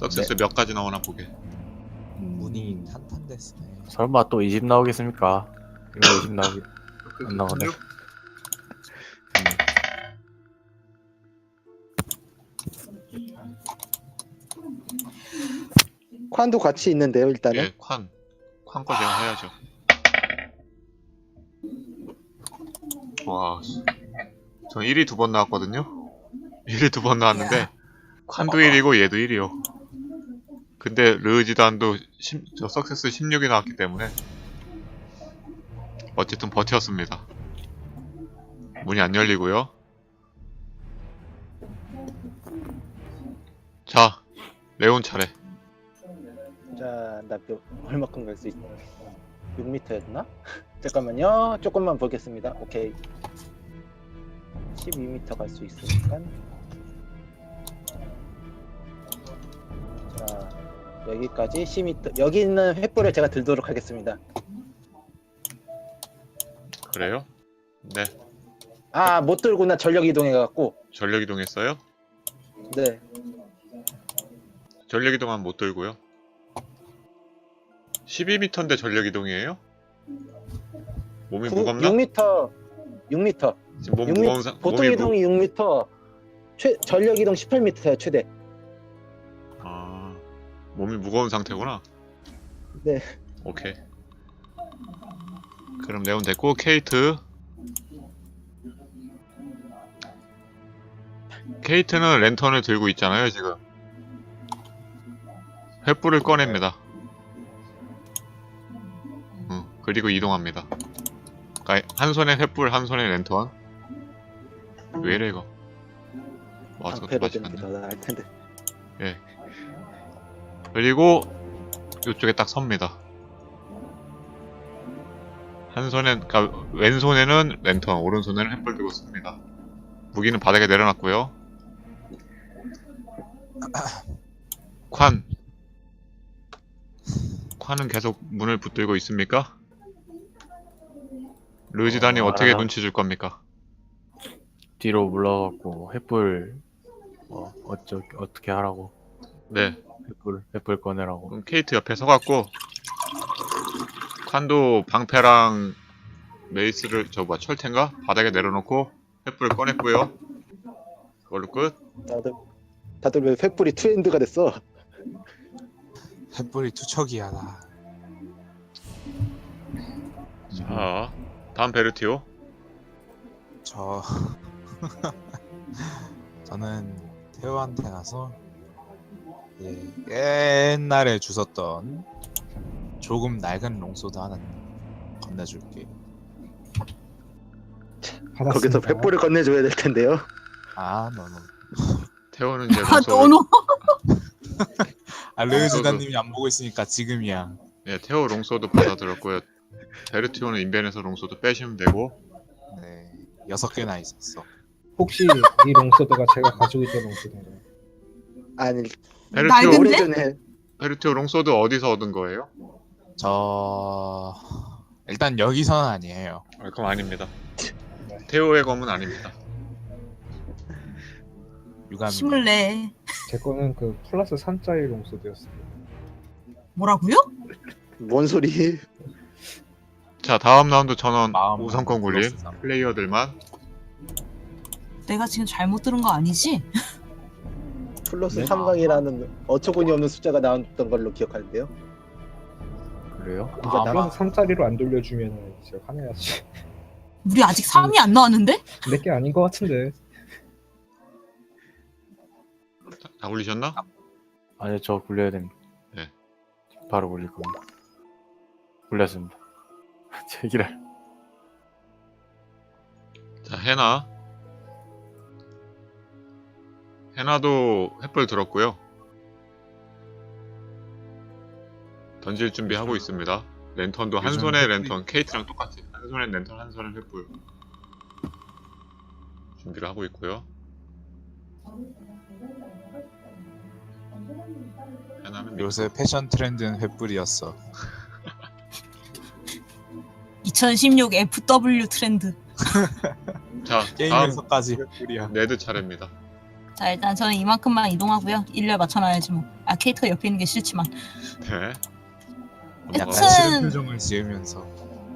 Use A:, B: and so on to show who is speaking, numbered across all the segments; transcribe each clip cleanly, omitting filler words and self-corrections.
A: 석세스 몇 가지 나오나 보게.
B: 문이 탄탄됐으네.
C: 설마 또 20 나오겠습니까? 이거 20 나오기 안 나오네.
D: 宽도 같이 있는데요, 일단은.
A: 예, 관 거 제가 해야죠. 와, 전 1위 2번 나왔거든요. 1위 2번 나왔는데 칸도 1이고 얘도 1이요. 근데 르지단도 저 석세스 16이 나왔기 때문에 어쨌든 버텼습니다. 문이 안 열리고요. 자, 레온 차례.
D: 자, 나 얼마큼 갈 수 있어? 6m였나? 잠깐만요. 조금만 보겠습니다. 오케이. 12m 갈 수 있으니까. 자, 여기까지 10m. 여기 있는 횃불을 제가 들도록 하겠습니다.
A: 그래요? 네.
D: 아, 못 들구나. 전력 이동해갖고.
A: 전력 이동했어요?
D: 네.
A: 전력 이동은 못 들고요. 12m인데 전력 이동이에요? 몸이 무겁나?
D: 6m. 6m.
A: 지금 몸 무거운
D: 보통 이동이 6m. 전력 이동 18m야, 최대.
A: 아, 몸이 무거운 상태구나.
D: 네.
A: 오케이. 그럼 레온 됐고 케이트. 케이트는 랜턴을 들고 있잖아요 지금. 횃불을 꺼냅니다. 그리고 이동합니다. 그러니까 한 손에 횃불, 한 손에 랜턴. 왜 이래 이거? 와, 저것도
D: 방패로 되는 게
A: 맛있겠네.
D: 더 나을 텐데.
A: 예. 그리고 이쪽에 딱 섭니다. 한 손엔, 그러니까 왼손에는 랜턴, 오른손에는 횃불 들고 씁니다. 무기는 바닥에 내려놨고요. 칸은 계속 문을 붙들고 있습니까? 르지단이 어떻게
C: 알아요.
A: 눈치 줄 겁니까?
C: 뒤로 물러갖고 횃불 어떻게 하라고.
A: 네.
C: 횃불 꺼내라고.
A: 그럼 케이트 옆에 서갖고 칸도 방패랑 메이스를 철퇴인가? 바닥에 내려놓고 횃불을 꺼냈고요. 그걸로 끝.
D: 다들 왜 횃불이 트렌드가 됐어?
B: 횃불이 투척이야 나.
A: 자, 다음 베르티오.
B: 저는 태호한테 가서 옛날에 주웠던 조금 낡은 롱소드 하나 건네줄게.
D: 거기서 횃불을 건네줘야 될 텐데요.
B: 아 너무.
A: 태호는 이제
E: 아,
A: 롱소드.
E: 너너.
B: 아 르지단님이 안 보고 있으니까 지금이야.
A: 네, 태호 롱소드 받아들었고요. 베르티오는 인벤에서 롱소드 빼시면 되고.
B: 네, 6개나 있었어.
F: 혹시 이 롱소드가 제가 가지고 있던 롱소드인가요?
D: 아니,
A: 베르티오,
E: 낡은데?
D: 오래전에
A: 베르티오 롱소드 어디서 얻은 거예요?
B: 저 일단 여기서는 아니에요.
A: 아, 그럼 아닙니다. 태호의 검은 아닙니다.
B: 유감이.
E: 힘을 내.
F: 제 거는 그 플러스 3짜리 롱소드였어요.
E: 뭐라고요?
D: 뭔 소리?
A: 자, 다음 라운드 전원
B: 마음
A: 우선권 굴림.
B: 플러스 삼.
A: 플레이어들만.
E: 내가 지금 잘못 들은 거 아니지?
D: 플러스
C: 네?
D: 3강이라는 어처구니 없는 숫자가 나왔던 걸로 기억하는데요.
C: 그래요?
D: 그러니까
F: 플러스 3짜리로 안 돌려주면 제가 화내야지.
E: 우리 아직 3이 안 나왔는데?
F: 내게 아닌 것 같은데.
A: 다 굴리셨나?
C: 아니요, 저 굴려야 됩니다.
A: 네.
C: 바로 굴릴 겁니다. 굴렸습니다. 제기랄.
A: 자, 해나도 횃불 들었고요. 던질 준비하고 있습니다. 랜턴도 한
B: 요즘
A: 손에
B: 횃불이-
A: 랜턴, 케이트랑 똑같이 한 손에 랜턴, 한 손에 횃불 준비를 하고 있고요. 해나는
B: 요새 패션 트렌드는 횃불이었어.
E: 2016 FW 트렌드.
A: 자, 다음
B: 게임에서까지 횃불이야.
A: 네드 차례입니다.
E: 자, 일단 저는 이만큼만 이동하고요. 일렬 맞춰놔야지 뭐. 아, 아 케이트가 옆에 있는 게 싫지만.
A: 네.
B: 약간
E: 여튼-
B: 싫은 표정을 지으면서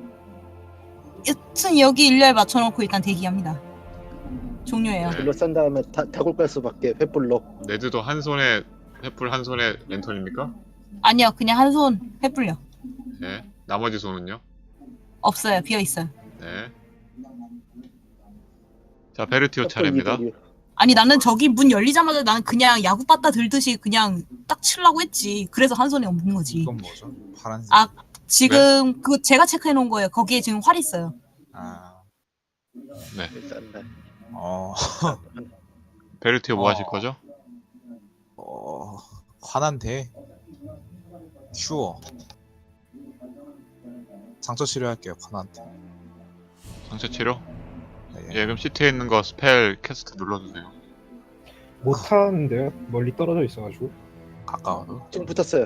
E: 여튼 여기 일렬 맞춰놓고 일단 대기합니다. 종료해요.
A: 네.
D: 불로 싼 다음에 다굴 깔 수밖에 횃불로.
A: 네드도 한 손에 횃불 한 손에 랜턴입니까?
E: 아니요, 그냥 한 손 횃불요.
A: 네. 나머지 손은요?
E: 없어요, 비어 있어요.
A: 네. 자, 베르티오 차례입니다.
E: 아니 나는 저기 문 열리자마자 나는 그냥 야구 빠따 들듯이 그냥 딱 치려고 했지. 그래서 한 손에 없는 거지.
B: 이건 뭐죠? 파란색.
E: 아 지금 그 제가 체크해 놓은 거예요. 거기에 지금 활 있어요.
B: 아,
A: 네.
D: 싼다.
B: 어,
A: 베르티오 뭐 하실 거죠?
B: 화난데 큐어. 상처 치료할게요. 화난데.
A: 상처 치료?
B: 네.
A: 예, 그럼 시트에 있는 거 스펠 캐스트 눌러주세요.
F: 못하는데요. 멀리 떨어져 있어가지고.
B: 가까워도
D: 지금 붙었어요.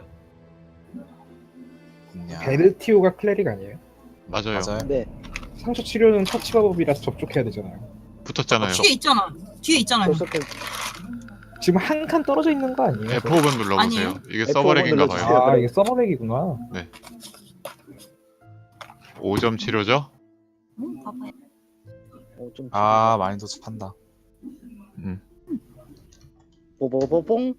B: 그냥
F: 베르티오가 클레릭 아니에요?
A: 맞아요.
B: 맞아요.
D: 네.
F: 상처 치료는 터치 마법이라서 접촉해야 되잖아요.
A: 붙었잖아요.
E: 뒤에 있잖아. 뒤에 있잖아요.
D: 벌써
F: 지금 한 칸 떨어져 있는 거 아니에요?
A: F5번 눌러보세요.
E: 아니에요.
A: 이게
D: F5번
A: 서버렉인가 봐요.
D: 눌러주세요.
F: 아 이게 서버렉이구나.
A: 5점 치료죠?
E: 봐봐요.
D: 좀
B: 아, 많이 도착한다.
D: 뽀뽀뽀뽕.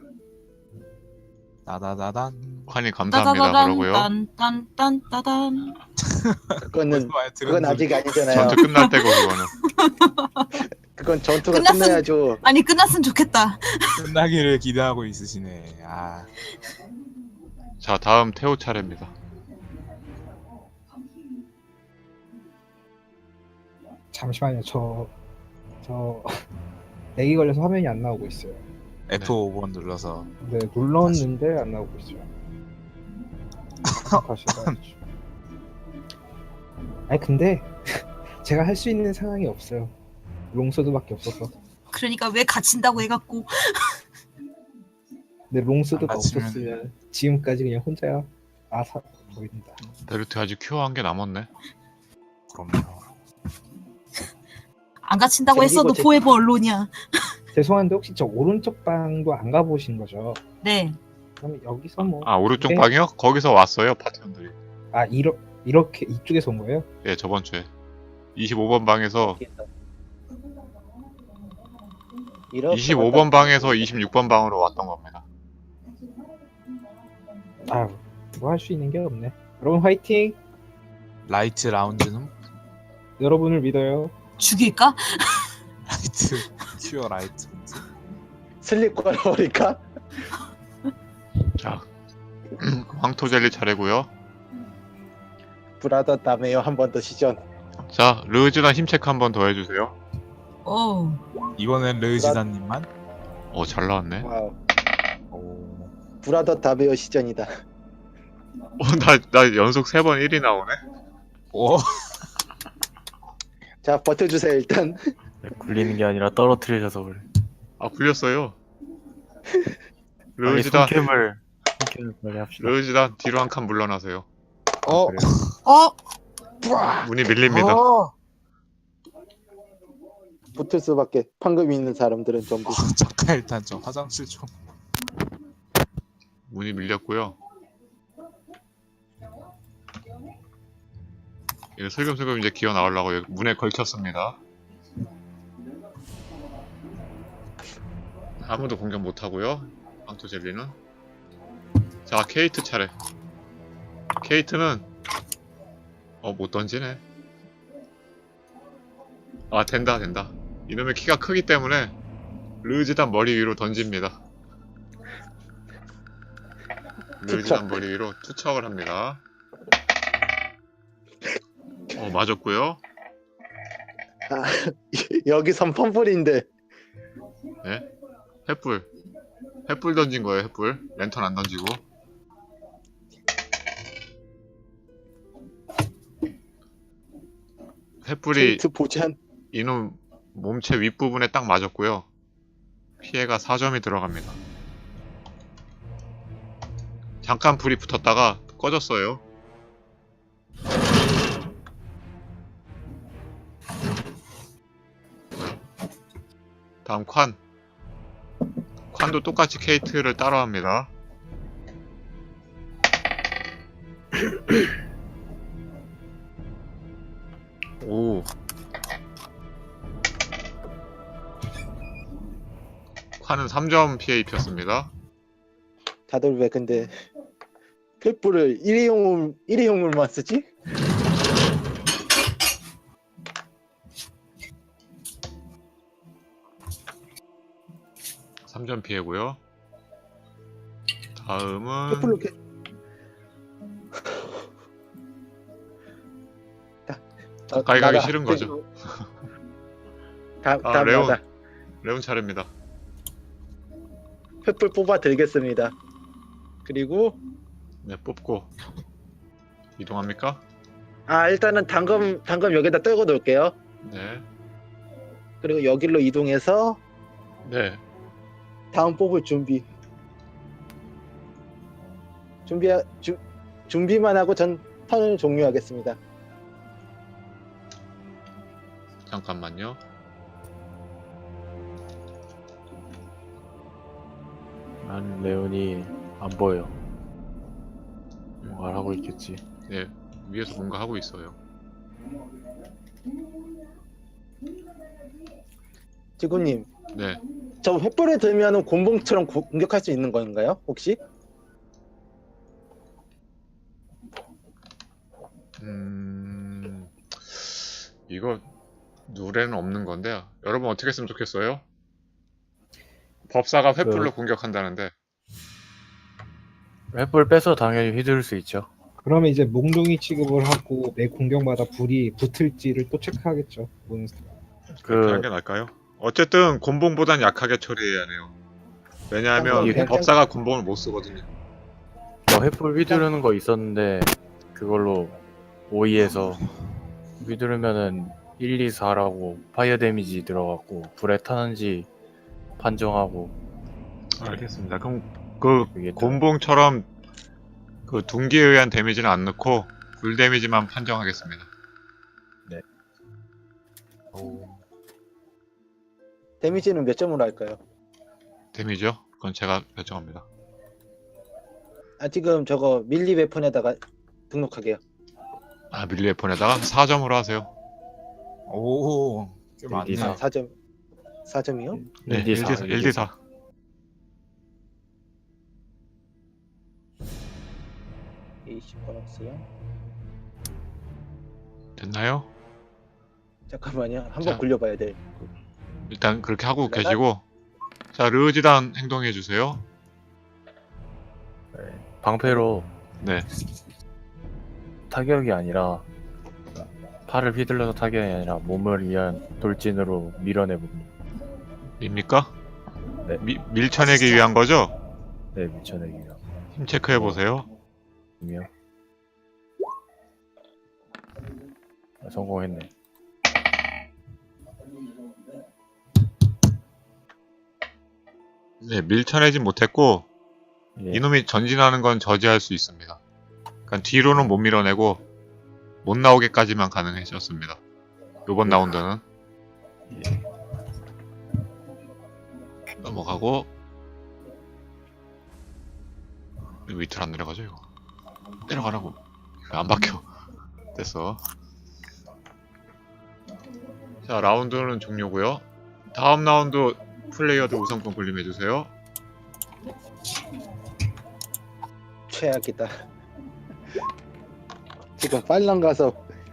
B: 나다다단.
A: 칸이 감사합니다. 그러고요.
E: 딴딴딴딴딴.
D: 그거는 그건 아직 아니잖아요.
A: 전투 끝날 때고 그거는.
D: 그건 전투가
E: 끝났음.
D: 끝나야죠.
E: 아니 끝났으면 좋겠다.
B: 끝나기를 기대하고 있으시네. 아,
A: 자, 다음 태호 차례입니다.
F: 잠시만요. 저 렉이 걸려서 화면이 안 나오고 있어요.
B: F5번 눌러서
F: 네 눌렀는데 안 나오고 있어요. 다시 해야죠. 아니 근데 제가 할 수 있는 상황이 없어요. 롱소드밖에 없어서.
E: 그러니까 왜 갇힌다고 해갖고.
F: 근데 롱소드가
B: 안 갇히면-
F: 없었으면 지금까지 그냥 혼자 아사 보인다.
A: 베르티오 아직 큐어한 게 남았네.
B: 그럼요.
E: 안 갇힌다고
D: 저기고
E: 했어도
D: 제-
E: 포에버 언론이야.
F: 죄송한데 혹시 저 오른쪽 방도 안 가보신 거죠?
E: 네.
F: 그럼 여기서 뭐
A: 아, 오른쪽
F: 네.
A: 방이요? 거기서 왔어요, 파티원들이.
F: 이렇게 이쪽에서 온 거예요?
A: 예, 저번 주에. 25번 방에서, 25번 방에서 26번 방으로 왔던 겁니다.
F: 아, 뭐 할 수 있는 게 없네. 여러분 화이팅!
B: 라이트 라운지는
F: 여러분을 믿어요.
E: 죽일까?
B: 라이트 큐어 라이트.
D: 슬립 걸어버릴까?
A: 자, 황토젤리 차례고요.
D: 브라더 다메요 한 번 더 시전.
A: 자, 르즈나 힘 체크 한 번 더 해주세요.
E: 오.
B: 이번엔 르지단님만.
A: 잘 나왔네.
D: 와우.
B: 오,
D: 브라더 다메요 시전이다.
A: 나 연속 3번 1이 나오네.
B: 오,
D: 자 버텨주세요 일단.
C: 굴리는 게 아니라 떨어뜨려져서 그래.
A: 아, 굴렸어요.
C: 빨리
A: 르지단,
C: 손캠을 빨리 합시다.
A: 르지단 뒤로 한 칸 물러나세요.
B: 어,
A: 그래요.
E: 어?
A: 문이 밀립니다.
D: 붙을 수밖에. 판금 있는 사람들은 전부.
B: 잠깐 일단 저 화장실 좀.
A: 문이 밀렸고요. 이거 슬금슬금 이제 기어 나오려고 여기 문에 걸쳤습니다. 아무도 공격 못하고요. 황토젤리는. 자, 케이트 차례. 케이트는 못 던지네. 아, 된다. 이놈의 키가 크기 때문에 르지단 머리 위로 던집니다. 르지단 머리 위로 투척을 합니다. 맞았고요.
D: 아, 여기선 펌플인데.
A: 네? 횃불 던진 거예요, 횃불. 랜턴 안 던지고. 횃불이
D: 케이트 보잔.
A: 이놈 몸체 윗부분에 딱 맞았고요. 피해가 4점이 들어갑니다. 잠깐 불이 붙었다가 꺼졌어요. 다음 관 칸도 똑같이 케이트를 따로 합니다.
C: 오.
A: 칸은 3점 피해 입혔습니다.
D: 다들 왜 근데 횃불을 일회용물만 쓰지?
A: 삼점 피해고요. 다음은
D: 횃불로 이렇게
A: 가까이 가기
D: 나가.
A: 싫은 거죠.
D: 다음
A: 레온.
D: 나다.
A: 레온 차례입니다.
D: 횃불 뽑아 들겠습니다. 그리고
A: 네, 뽑고 이동합니까?
D: 일단은 당금 여기다 떨궈 놓을게요.
A: 네.
D: 그리고 여기로 이동해서
A: 네.
D: 다음 뽑을 준비만 하고 전 턴을 종료하겠습니다.
A: 잠깐만요.
C: 난 레온이 안 보여. 뭔가를 하고 있겠지.
A: 네. 위에서 뭔가 하고 있어요.
D: 지구님,
A: 네.
D: 저 횃불을 들면은 곤봉처럼 공격할 수 있는 건가요? 혹시?
A: 이거 누레는 없는 건데 여러분 어떻게 했으면 좋겠어요? 법사가 횃불로 공격한다는데
C: 횃불 빼서 당연히 휘두를 수 있죠.
F: 그러면 이제 몽둥이 취급을 하고 매 공격마다 불이 붙을지를 또 체크하겠죠. 몬스터.
A: 그렇게 하는
C: 그
A: 게 나을까요? 어쨌든 곤봉보단 약하게 처리해야 해요. 왜냐하면
C: 이게
A: 법사가 곤봉을 못 쓰거든요.
C: 횃불 휘두르는 거 있었는데 그걸로 5위에서 휘두르면은 1, 2, 4라고 파이어 데미지 들어갔고 불에 타는지 판정하고.
A: 알겠습니다. 그럼 그
C: 그게
A: 곤봉처럼 그 둔기에 의한 데미지는 안 넣고 불 데미지만 판정하겠습니다.
B: 오.
D: 데미지는 몇 점으로 할까요?
A: 데미지요? 그건 제가 결정합니다.
D: 지금 저거 밀리 웨폰에다가 등록하게요.
A: 밀리 웨폰에다가 4점으로 하세요.
B: 오. 꽤 많네.
C: 일기사.
D: 4점이요?
A: 네,
C: 1D4.
A: 1D4.
D: 20 보너스요.
A: 됐나요?
D: 잠깐만요.
A: 자.
D: 한번 굴려봐야 돼.
A: 일단 그렇게 하고
D: 내가?
A: 계시고 자 르지단 행동해 주세요.
C: 방패로
A: 네.
C: 타격이 아니라 팔을 휘둘러서 타격이 아니라 몸을 위한 돌진으로 밀어내봅니다.
A: 입니까?
C: 네.
A: 밀쳐내기 위한 거죠?
C: 네, 밀쳐내기요.
A: 힘 체크해 보세요.
C: 성공했네.
A: 네, 밀쳐내진 못했고
C: 예.
A: 이놈이 전진하는 건 저지할 수 있습니다. 그러니까 뒤로는 못 밀어내고 못 나오게까지만 가능해졌습니다. 요번 라운드는
C: 예.
A: 넘어가고 이거 밑으로 안 내려가죠 이거. 내려가라고. 이거 안 박혀. 됐어. 자 라운드는 종료고요. 다음 라운드 플레이어들 우선권 군림해주세요.
D: 최악이다. 지금 빨랑 가서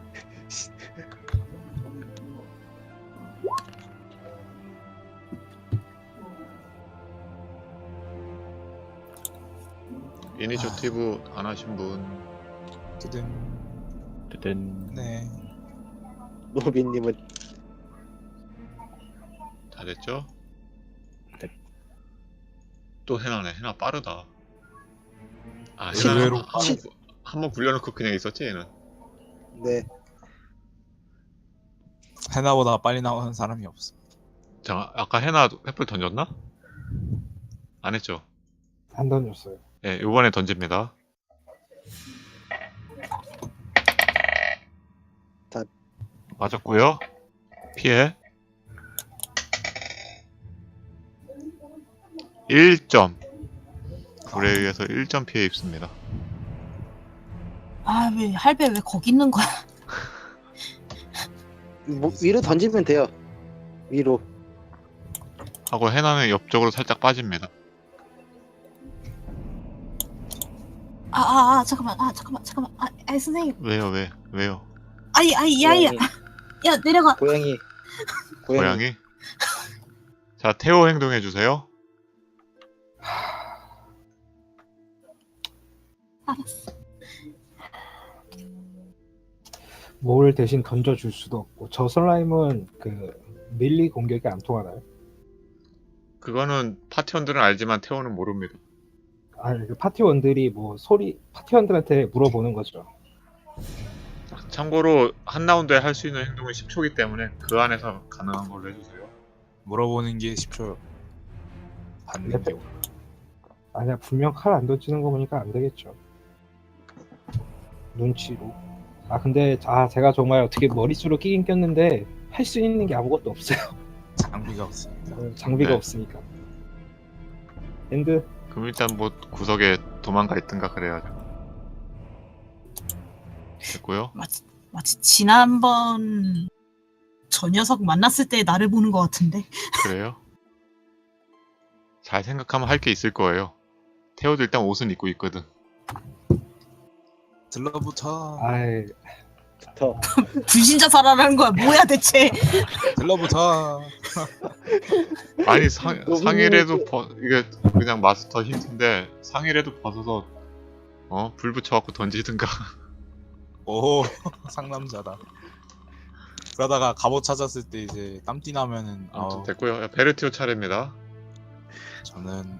A: 이니셔티브 안 하신 분
B: 뜨든.
C: 뜨든.
B: 네.
D: 노비님은
A: 다 됐죠?
C: 네.
A: 또 해나네. 해나 빠르다.
B: 의외로
A: 한번 굴려놓고 그냥 있었지 얘는.
D: 네.
B: 해나보다 빨리 나오는 사람이 없어.
A: 자 아까 해나 횃불 던졌나? 안 했죠?
F: 안 던졌어요.
A: 네, 이번에 던집니다.
D: 다-
A: 맞았고요. 피해. 1점. 불에 의해서 1점 피해 입습니다.
E: 아, 왜 할배 왜 거기 있는 거야?
D: 뭐, 위로 던지면 돼요. 위로.
A: 하고 해나는 옆쪽으로 살짝 빠집니다.
E: 잠깐만. 선생님.
A: 왜요?
E: 야야. 야, 내려가.
D: 고양이.
A: 고양이? 자, 태호 행동해주세요.
E: 알았어.
F: 뭘 대신 던져줄 수도 없고 저 슬라임은 그 밀리 공격이 안 통하나요?
A: 그거는 파티원들은 알지만 태호는 모릅니다.
F: 아니 그 파티원들이 뭐 파티원들한테 물어보는 거죠.
A: 참고로 한 라운드에 할 수 있는 행동은 10초이기 때문에 그 안에서 가능한 걸로 해주세요.
B: 물어보는 게 10초. 받는 게
F: 아니야 분명 칼 안 던지는 거 보니까 안 되겠죠. 눈치로. 근데 제가 정말 어떻게 머릿수로 끼긴 꼈는데 할 수 있는 게 아무것도 없어요.
B: 장비가 없으니까.
F: 장비가
A: 네.
F: 없으니까. 엔드.
A: 그럼 일단 뭐 구석에 도망가 있든가 그래야죠. 됐고요.
E: 마치 지난번 저 녀석 만났을 때 나를 보는 것 같은데.
A: 그래요? 잘 생각하면 할 게 있을 거예요. 태호도 일단 옷은 입고 있거든.
B: 들러붙어.
F: 아이
D: 더.
E: 불신자 살아라는 거야. 뭐야 대체?
B: 들러붙어.
A: 아니
D: 너무
A: 상의라도 이게 그냥 마스터 힌트인데 상의라도 벗어서 불 붙여갖고 던지든가.
B: 오, 상남자다. 그러다가 갑옷 찾았을 때 이제 땀띠 나면은
A: 아무튼 됐고요. 베르티오 차례입니다.
B: 저는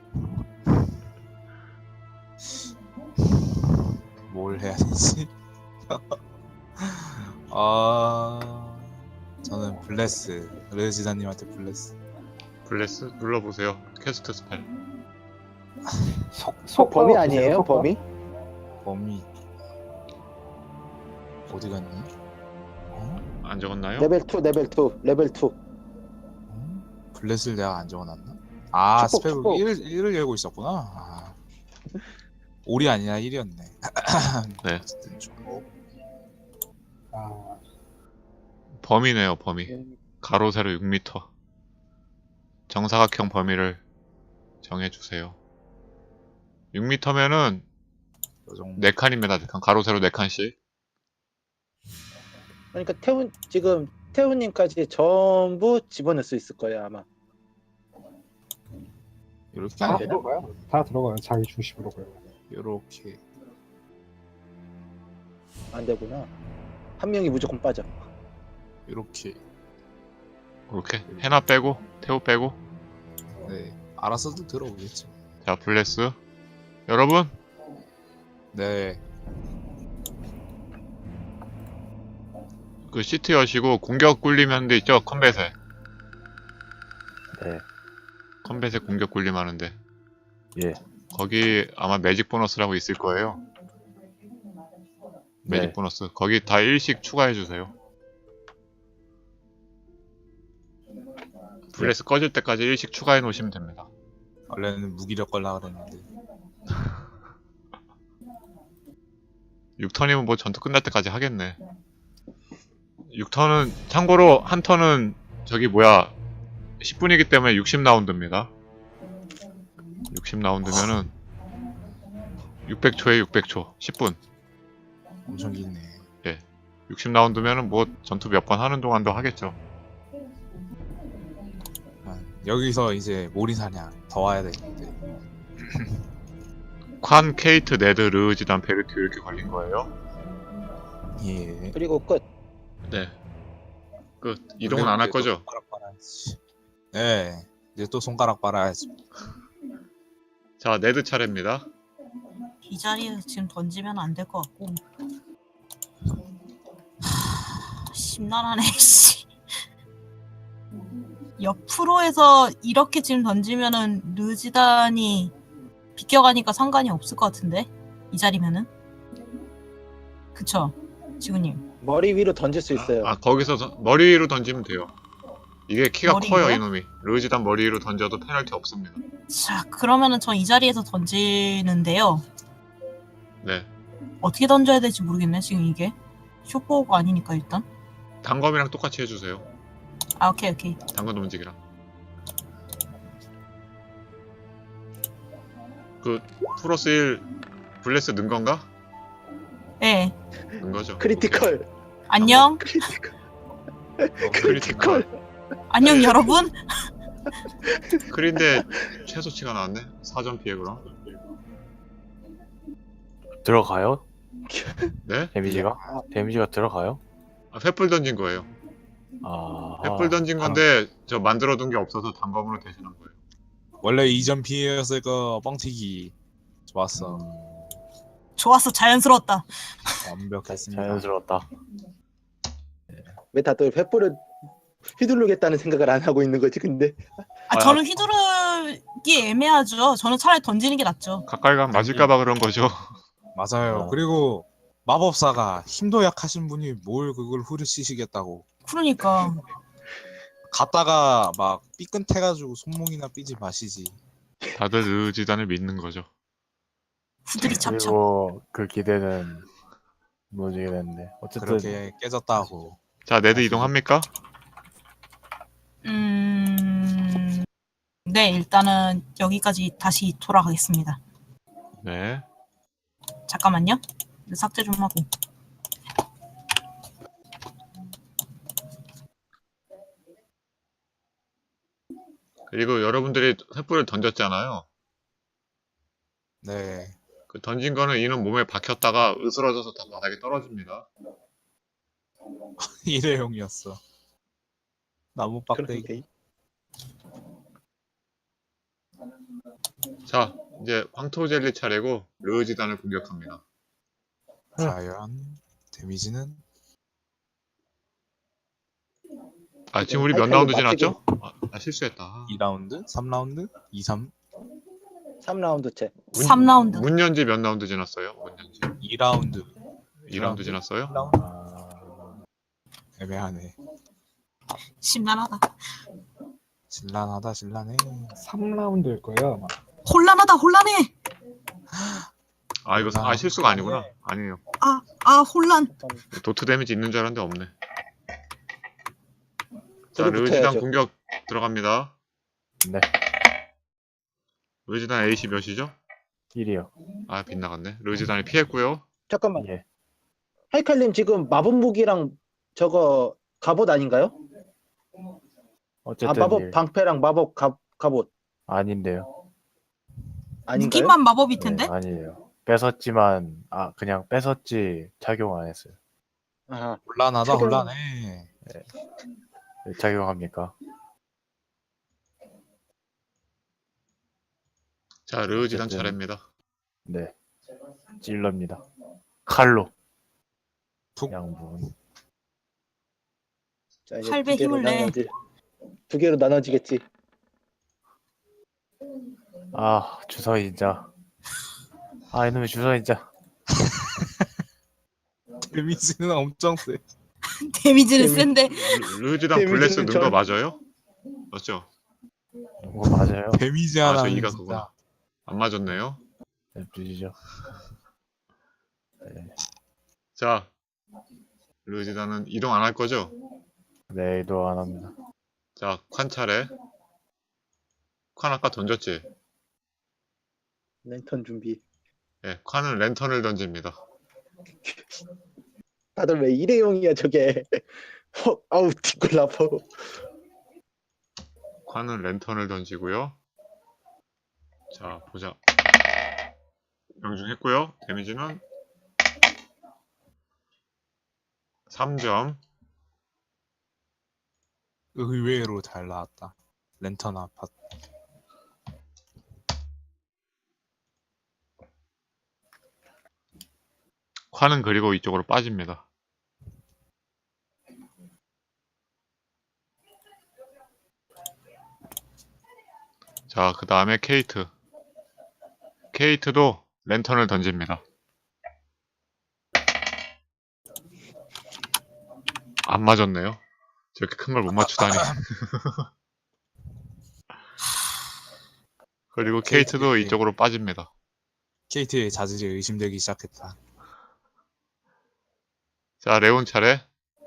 B: 뭘 해야 되지? 저는 블레스 르지다님한테 블레스.
A: 블레스 눌러보세요. 캐스트 스펠.
D: 범위 아니에요? 범위?
B: 범위 어디 갔니?
A: 안 적었나요?
D: 레벨 2, 레벨 2, 레벨 2.
B: 블레스를 내가 안 적어놨나?
D: 축복,
B: 스펙
D: 축복.
B: 1을 열고 있었구나. 올이 아니라 1이었네.
A: 네.
B: 어쨌든 좋고.
A: 범위네요. 범위. 가로 세로 6m. 정사각형 범위를 정해주세요. 6m면은
B: 요 정도.
A: 4칸입니다. 4칸. 가로 세로 4칸씩.
D: 그러니까 지금 태훈님까지 전부 집어넣을 수 있을 거예요 아마.
B: 이렇게
F: 다 들어가요. 다 들어가요. 자기 중심으로 가요.
B: 이렇게
D: 안 되구나. 한 명이 무조건 빠져.
B: 이렇게.
A: 이렇게 해나 빼고 태호 빼고.
B: 네, 알아서도 들어오겠죠.
A: 자, 블레스. 여러분
B: 네,
A: 그 시트 여시고 공격 굴림 하는 데 있죠? 컴뱃에.
C: 네.
A: 컴뱃에 공격 굴림 하는데.
C: 예.
A: 거기 아마 매직 보너스라고 있을 거예요. 매직
C: 네.
A: 보너스. 거기 다 일씩 추가해주세요. 블레스 꺼질 때까지 일씩 추가해 놓으시면 됩니다.
B: 원래는 무기력 걸라 그랬는데
A: 6턴이면 뭐 전투 끝날 때까지 하겠네. 6턴은 참고로 한 턴은 10분이기 때문에 60라운드입니다. 60라운드면은 600초에 600초 10분.
B: 엄청 기네.
A: 60라운드면은 뭐 전투 몇 번 하는 동안도 하겠죠.
B: 여기서 이제 모리사냥 더 와야 되는데.
A: 관, 케이트, 네드, 르지단, 베르티오 이렇게 걸린 거예요.
B: 예.
D: 그리고 끝.
A: 네. 끝. 이동은 안 할
B: 이제 또
A: 거죠?
B: 손가락 빨아야지. 네. 이제 또 손가락 빨아야지.
A: 자, 네드 차례입니다.
E: 이 자리에 지금 던지면 안 될 것 같고. 심란하네. 씨. 옆으로 해서 이렇게 지금 던지면은 르지단이 비껴가니까 상관이 없을 것 같은데 이 자리면은. 그쵸 지구님.
D: 머리 위로 던질 수 있어요.
A: 거기서 머리 위로 던지면 돼요. 이게 키가
E: 머리
A: 커요,
E: 위로요?
A: 이놈이. 르지단 머리 위로 던져도 페널티 없습니다.
E: 자, 그러면은 전 이 자리에서 던지는데요.
A: 네.
E: 어떻게 던져야 될지 모르겠네, 지금 이게. 쇼포가 아니니까 일단.
A: 단검이랑 똑같이 해주세요.
E: 아, 오케이, 오케이.
A: 단검 움직이랑. 그 플러스 1 블레스 넣은 건가?
E: 예.
A: 넣은 거죠.
D: 크리티컬.
E: 안녕.
D: 크리티컬.
A: 오케이.
D: 크리티컬.
E: 안녕, 여러분.
A: 크린데 최소치가 나왔네. 4점 피해 그럼.
C: 들어가요?
A: 네?
C: 데미지가? 데미지가 들어가요?
A: 아, 횃불 던진 거예요.
C: 아,
A: 횃불 던진 건데 저 만들어둔 게 없어서 단검으로 대신한 거예요.
B: 원래 2점 피해였을 거 뻥튀기. 좋았어.
E: 좋았어, 자연스러웠다.
B: 완벽했습니다.
C: 자연스러웠다.
D: 왜 다들 횃불을 휘두르겠다는 생각을 안 하고 있는 거지? 근데
E: 아, 저는 휘두르기 애매하죠. 저는 차라리 던지는 게 낫죠.
A: 가까이 가면 맞을까봐 그런 거죠.
B: 맞아요.
C: 아.
B: 그리고 마법사가 힘도 약하신 분이 뭘 그걸 후려치시겠다고.
E: 그러니까.
B: 갔다가 막 삐끗해가지고 손목이나 삐지 마시지.
A: 다들 르지단을 믿는 거죠.
E: 후들이 찹찹.
C: 그리고 그 기대는 무너지게 됐는데 어쨌든
B: 그렇게 깨졌다고.
A: 자, 네드 이동합니까?
E: 네, 일단은 여기까지 다시 돌아가겠습니다.
A: 네.
E: 잠깐만요. 삭제 좀 하고.
A: 그리고 여러분들이 횃불을 던졌잖아요.
B: 네.
A: 그 던진 거는 이는 몸에 박혔다가 으스러져서 다 바닥에 떨어집니다.
B: 일회용이었어. 나무 빡대기.
D: 그런데
A: 자, 이제 황토젤리 차례고 르지단을 공격합니다.
B: 과연 데미지는
A: 아, 지금 우리 몇
D: 하이칼로
A: 라운드
D: 맞추기.
A: 지났죠? 아, 실수했다.
B: 2라운드? 3라운드? 2, 3?
D: 3라운드 채.
E: 3라운드.
A: 문연지 몇 라운드 지났어요? 문연지.
B: 2라운드.
A: 2라운드 지났어요?
B: 3라운드?
C: 아,
B: 애매하네.
E: 심란하다.
B: 신란하다, 신란해.
F: 3라운드일 거예요 아마.
E: 혼란하다, 혼란해.
A: 아, 이거 실수가 아니구나. 아니에요.
E: 혼란.
A: 도트 데미지 있는 줄 알았는데 없네. 자,
D: 저도
A: 르지단
D: 붙어야죠.
A: 공격 들어갑니다.
C: 네.
A: 르지단 AC 몇이죠?
C: 1이요.
A: 아, 빗나갔네. 르지단이 피했고요.
D: 잠깐만.
C: 예.
D: 하이칼님 지금 마법 무기랑 저거 갑옷 아닌가요?
C: 어쨌든
D: 마법
C: 일.
D: 방패랑 마법 갑옷
C: 아닌데요.
D: 아닌가요?
E: 무기만 마법일
C: 네,
E: 텐데.
C: 아니에요. 뺏었지만 그냥 뺏었지 착용 안 했어요.
D: 아,
B: 혼란하다,
D: 최근-
B: 혼란해.
C: 왜 착용합니까?
A: 자, 르지단
C: 어쨌든.
A: 차례입니다.
C: 네. 찔럽니다. 칼로.
B: 툭.
C: 양분.
D: 자, 이제
E: 팔배
D: 두 개로
E: 힘을 내.
D: 두 개로 나눠지겠지.
C: 아, 주사위 진짜. 아, 이놈의 주사위 진짜.
B: 데미지는 엄청 세.
E: 데미지는
D: 데미-
E: 센데.
A: 르지단
D: 데미지는
A: 블레스 넣은 거
D: 전-
A: 맞아요? 맞죠?
C: 이거 맞아요?
B: 데미지
A: 아, 저
B: 하나는
A: 이가
B: 진짜.
A: 그구나. 안 맞았네요.
C: 주시죠.
A: 자, 르지단은 이동 안 할 거죠?
C: 네, 이도 안 합니다.
A: 자, 관 차례. 관 아까 던졌지?
D: 랜턴 준비.
A: 예, 관은 랜턴을 던집니다.
D: 다들 왜 일회용이야 저게? 아우 뒷골 아파.
A: 관은 랜턴을 던지고요. 자, 보자. 명중했고요. 데미지는 3점.
B: 의외로 잘 나왔다. 랜턴 아파트.
A: 관은 그리고 이쪽으로 빠집니다. 자, 그 다음에 케이트. 케이트도 랜턴을 던집니다. 안 맞았네요. 저렇게 큰 걸 못 맞추다니. 그리고 케이트도 이쪽으로 빠집니다.
B: KT의 자질이 의심되기 시작했다.
A: 자, 레온 차례.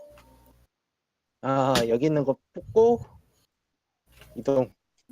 D: 아, 여기 있는 거 뽑고 이동.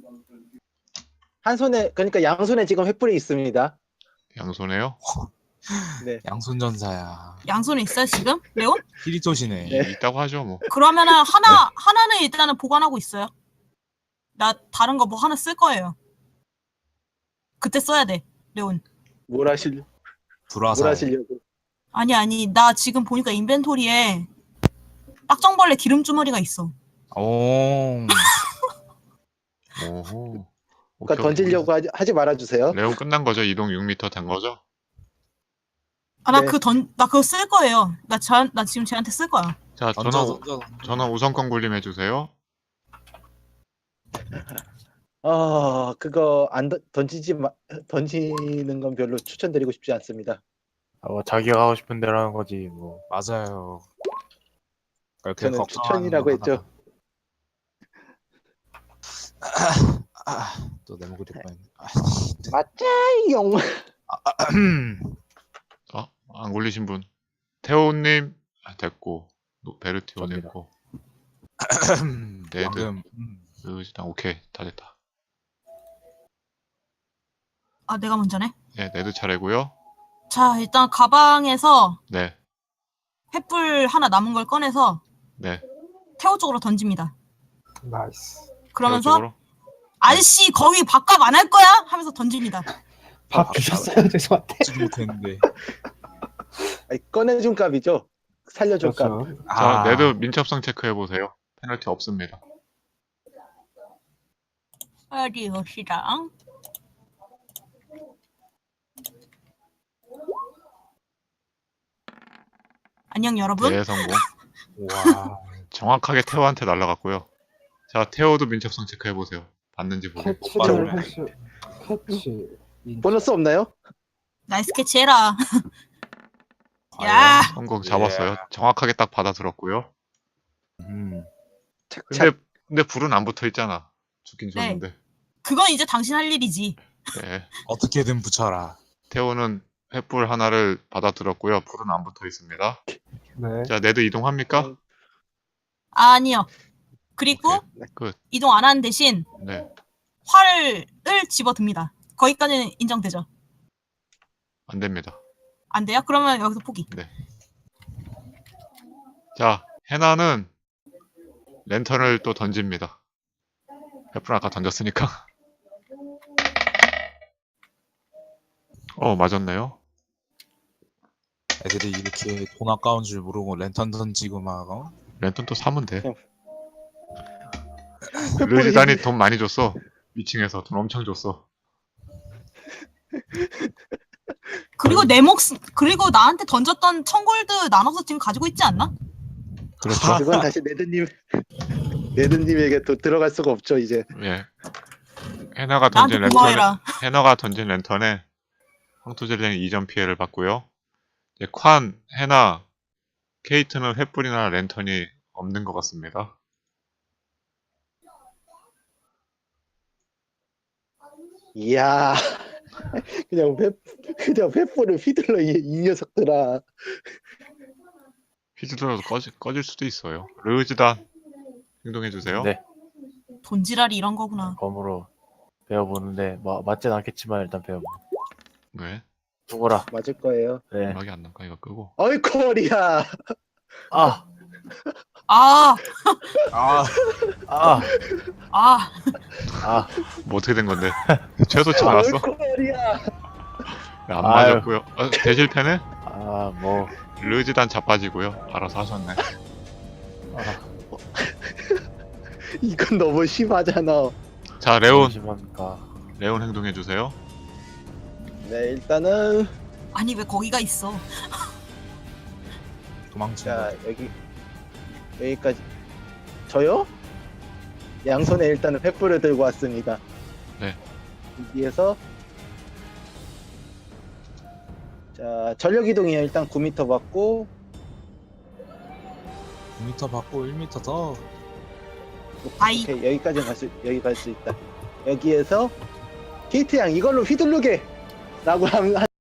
D: 한 손에, 그러니까 양손에 지금 횃불이 있습니다.
A: 양손에요.
D: 네.
B: 양손전사야.
E: 양손에 있어요 지금? 레온?
B: 히리토시네.
D: 네.
A: 있다고 하죠, 뭐.
E: 그러면은 하나는 일단은 보관하고 있어요. 나 다른 거 뭐 하나 쓸 거예요. 그때 써야 돼, 레온.
D: 뭘
B: 불화살.
D: 하시려고?
E: 아니, 나 지금 보니까 인벤토리에 딱정벌레 기름주머니가 있어.
B: 오.
A: 오호.
D: 그러니까 던지려고 하지 말아주세요.
A: 레온 끝난 거죠? 이동 6m 된 거죠?
E: 아, 나
D: 네.
E: 그거 쓸 거예요. 나 지금 쟤한테 쓸 거야.
A: 자,
B: 던져.
A: 전원 우선권 굴림 해주세요.
D: 그거 안 던지는 건 별로 추천드리고 싶지 않습니다.
C: 자기가 하고 싶은 대로 하는 거지 뭐.
B: 맞아요. 그렇게
D: 저는
B: 걱정하는
D: 추천이라고
B: 건
D: 했죠.
B: 또 내 목소리 뻔했네.
D: 맞자용.
A: 안 굴리신 분. 태호님, 됐고. 베르티오
C: 접니다.
A: 됐고.
B: 방금
A: 일단 오케이. 다 됐다.
E: 아, 내가 먼저네.
A: 네, 네드 차례고요.
E: 자, 일단 가방에서
A: 네,
E: 횃불 하나 남은 걸 꺼내서
A: 네.
E: 태호 쪽으로 던집니다.
F: 나이스.
E: 그러면서
A: 태호 쪽으로.
E: 아저씨 거기 밥값 안 할 거야? 하면서 던집니다.
F: 밥 주셨어요? 죄송한데.
B: 지금 못했는데.
D: 아니, 꺼내준 값이죠. 살려줄 값.
F: 그렇죠.
A: 자, 네드 민첩성 체크해 보세요. 페널티 없습니다.
E: 어디 봅시다. 안녕 여러분.
A: 대성공.
F: 와.
A: 정확하게 태호한테 날라갔고요. 자, 태호도 민첩성 체크해 보세요. 봤는지 보고.
F: 캐치를 할수 캐치.
D: 보너스 없나요?
E: 나이스 캐치 해라.
B: 과연?
E: 야,
A: 성공 잡았어요. 정확하게 딱 받아 들었고요.
D: 착착.
A: 근데 불은 안 붙어 있잖아. 죽긴
E: 네.
A: 줬는데.
E: 그건 이제 당신 할 일이지.
A: 네.
B: 어떻게든 붙여라.
A: 태호는 횃불 하나를 받아 들었고요. 불은 안 붙어 있습니다.
F: 네.
A: 자, 네드 이동합니까?
E: 아니요. 그리고
A: 오케이. 끝.
E: 이동 안 하는 대신
A: 네.
E: 활을 집어듭니다. 거기까지는 인정되죠?
A: 안 됩니다.
E: 안 돼요? 그러면 여기서 포기.
A: 자, 해나는 랜턴을 또 던집니다. 횃불 아까 던졌으니까. 맞았네요.
B: 애들이 이렇게 돈 아까운 줄 모르고 랜턴 던지고 막
A: 랜턴 또 사면 돼.
D: 횃불이
A: 르지단이 돈 많이 줬어. 위층에서 돈 엄청 줬어.
E: 그리고 그리고 나한테 던졌던 1000골드 나눠서 지금 가지고 있지 않나?
A: 그렇죠.
D: 그건 다시 네드님에게 또 들어갈 수가 없죠 이제.
A: 예. 해나가
E: 나한테
A: 던진 랜턴에
E: 고마워해라.
A: 해나가 던진 랜턴에 황토젤리는 2점 피해를 받고요. 이제 관, 해나, 케이트는 횃불이나 랜턴이 없는 것 같습니다.
D: 이야. 그냥 횃불을 휘둘러 이 녀석들아.
A: 휘두르라도 꺼질 수도 있어요. 르지단 행동해주세요.
C: 네.
E: 돈지랄이 이런 거구나.
C: 검으로 배워보는데 맞진 않겠지만 일단 배워보.
A: 왜?
C: 죽어라.
D: 맞을 거예요.
C: 네.
A: 음악이 안 나가 이거 끄고.
D: 어이코리야.
C: 아,
E: 아,
B: 아,
C: 아,
E: 아,
C: 아.
A: 뭐 어떻게 된 건데? 최소치 맞았어?
D: 어이코리야.
A: 안
C: 아유.
A: 맞았고요. 대실패네?
C: 아, 뭐.
A: 르지단 자빠지고요. 알아서 하셨네.
C: 아,
D: 이건 너무 심하잖아.
A: 자, 레온
C: 심합니까?
A: 행동해주세요.
D: 네, 일단은
E: 아니 왜 거기가 있어?
B: 도망친다.
D: 자 여기까지. 저요? 양손에 일단은 횃불을 들고 왔습니다.
A: 네.
D: 여기에서 자 전력 이동이요. 일단 9m 받고
B: 9m 받고 1m 더.
E: 아이.
D: 오케이 여기 갈 수 있다. 여기에서 게이트 양 이걸로 휘두르게 라고 하면